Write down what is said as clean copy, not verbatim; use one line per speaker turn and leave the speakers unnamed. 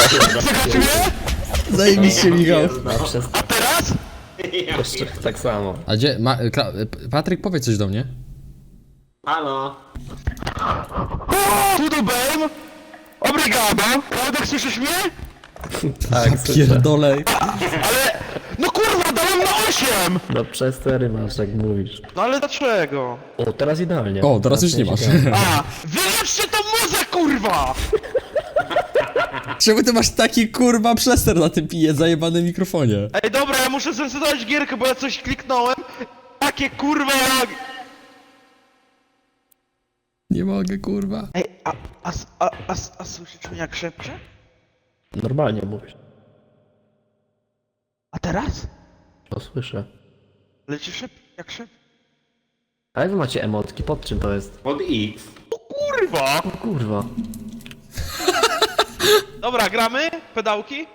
Słychać mnie?
Zajebiście, Michał.
A teraz?
Jeszcze tak samo.
A gdzie, Patryk, powiedz coś do mnie.
Halo.
Tudo bem? Obrigado. Klautek, słyszysz mnie?
Tak, słyszę.
Pierdolę.
Ale... No kurwa, dałem na 8!
No przez 4 masz, jak mówisz.
No ale dlaczego?
O, teraz idealnie.
O, teraz już nie masz.
A, wyłączcie tą muzę, kurwa!
Czemu ty masz taki kurwa przester na tym zajebane mikrofonie?
Ej, dobra, ja muszę zresetować gierkę, bo ja coś kliknąłem. Takie kurwa jak...
Nie mogę, kurwa.
Ej, a słyszysz mnie jak szepcze?
Normalnie mówisz.
A teraz?
To słyszę.
Leci jak szepcze.
A jak wy macie emotki? Pod czym to jest?
Pod X.
O kurwa!
O kurwa.
Dobra, gramy? Pedałki?